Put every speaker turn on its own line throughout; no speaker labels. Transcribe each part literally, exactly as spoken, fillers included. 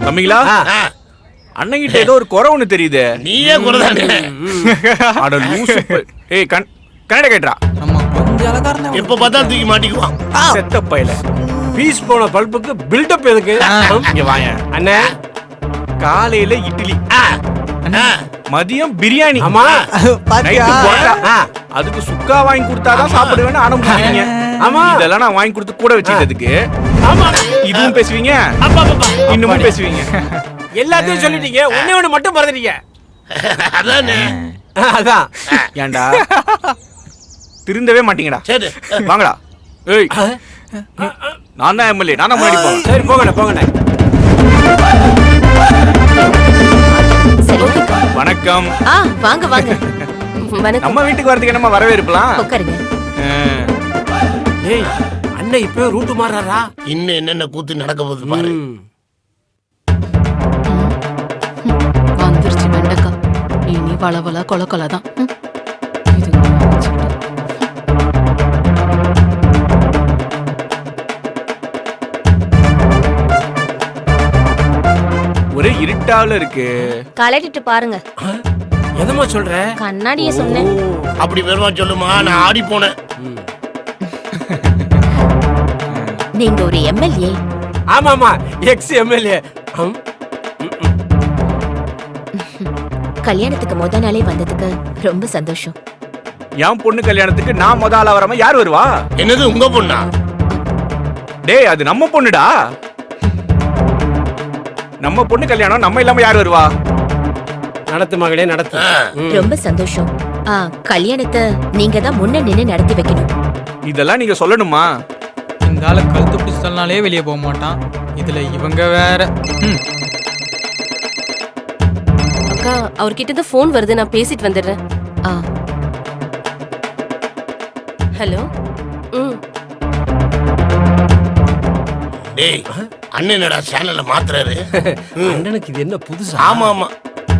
தம்பிங்களா அண்ணங்கிட்ட ஏதோ ஒரு குறை ஒண்ணு தெரியுது.
நீயே குறைதானே?
அட லூசு. ஏய் கண் கண்ணட கேட்றா.
ஆமா கொஞ்சம் அலகாரனா.
எப்ப பார்த்தா தூக்கி மாட்டிக்குவான்.
செத்த பையல.
பீஸ் போன பல்புக்கு பில்டப் எதுக்கு?
இங்க வாங்க.
அண்ணே
காலையில இட்லி, மதியம் பிரியாணி,
ஆமா
நைட்டு புரோட்டா. அதுக்கு சுக்கா வாங்கி கொடுத்தாதான் சாப்பிடுவேன்னு ஆடம் பிடிக்கிறீங்க.
ஆமா
இதெல்லாம் நான் வாங்கி கொடுத்து கூட வச்சுக்கிறதுக்கு இதுவும் பேசுவீங்க, இன்னமும் பேசுவீங்க.
எல்லாத்தையும் சொல்லிட்டீங்க, ஒண்ணே ஒண்ணு மட்டும் மறந்துட்டீங்க.
அதானே.
அதான்
ஏன்டா திருந்தவே மாட்டீங்கடா.
சரி
வாங்கடா. ஏய் நான் தான் எம்எல்ஏ, நான் தான் முன்னாடி போறேன்.
சரி போங்கண்ணே போங்கண்ணே.
வணக்கம்.
ஆ வாங்க வாங்க. வணக்கம்.
நம்ம வீட்டுக்கு வரதுக்கு என்னமா வரவேற்பலாம்.
உட்காருங்க.
ஏய் அண்ணன் இப்பவே ரூட் மாறாரா?
இன்னும் என்னென்ன கூத்து நடக்க போகுது பாரு.
வந்துருச்சு வெண்டக்கா. இனி வளவள கொல கொல தான்.
ஒரே இருட்டால இருக்கு.
கலட்டிட்டு பாருங்க.
எதமா சொல்ற?
கண்ணாடிய சொன்னேன்.
அப்படி வெறுமா சொல்லுமா, நான் ஆடி போனேன்.
நீங்க ஒரு எம்எல்ஏ?
ஆமாமா எக்ஸ் எம்எல்ஏ.
கல்யாணத்துக்கு முத நாளே வந்ததுக்கு ரொம்ப சந்தோஷம்.
என் பொண்ணு கல்யாணத்துக்கு நான் முத ஆளா வராம யார் வருவா?
என்னது உங்க பொண்ணா?
டேய் அது நம்ம பொண்ணுடா. நம்ம பொண்ணு கல்யாணம், நம்ம இல்லாம யார் வருவா?
நடத்து மகளே நடத்து.
ரொம்ப சந்தோஷம். ஆ கல்யாணத்தை நீங்க தான் முன்ன நின்னு நடத்தி வைக்கணும்.
இதெல்லாம் நீங்க சொல்லணுமா?
இந்த ஆளு கழுத்து பிடிச்சல்னாலே வெளியே போக மாட்டான். இதுல இவங்க வேற.
அக்கா அவர்கிட்ட இருந்து போன் வருது, நான் பேசிட்டு வந்துடுறேன்.
ஆ
ஹலோ. ம்
டேய் அண்ணன் என்னடா சேனல்ல மாத்துறாரு?
அண்ணனுக்கு இது என்ன புதுசா?
ஆமா ஆமா.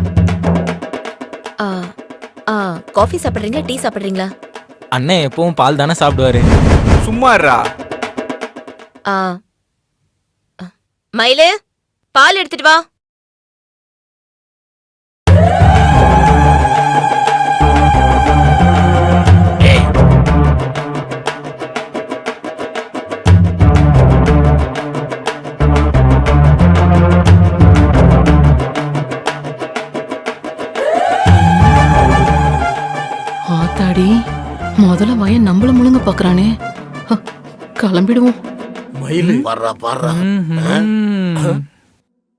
ஆ ஆ காஃபி சாப்பிடுறீங்களா டீ சாப்பிடுறீங்களா?
அண்ணன் எப்பவும் பால் தானே சாப்பிடுவாரு.
சும்மா இருடா.
ஆ மயிலு பால் எடுத்துட்டு வா.
ஆத்தாடி முதல்ல வயன் நம்மள முழுங்க பாக்குறானே. கிளம்பிடுவோம்.
மயிலு
பாடுறா பாடுறா.
ம்ஹும்.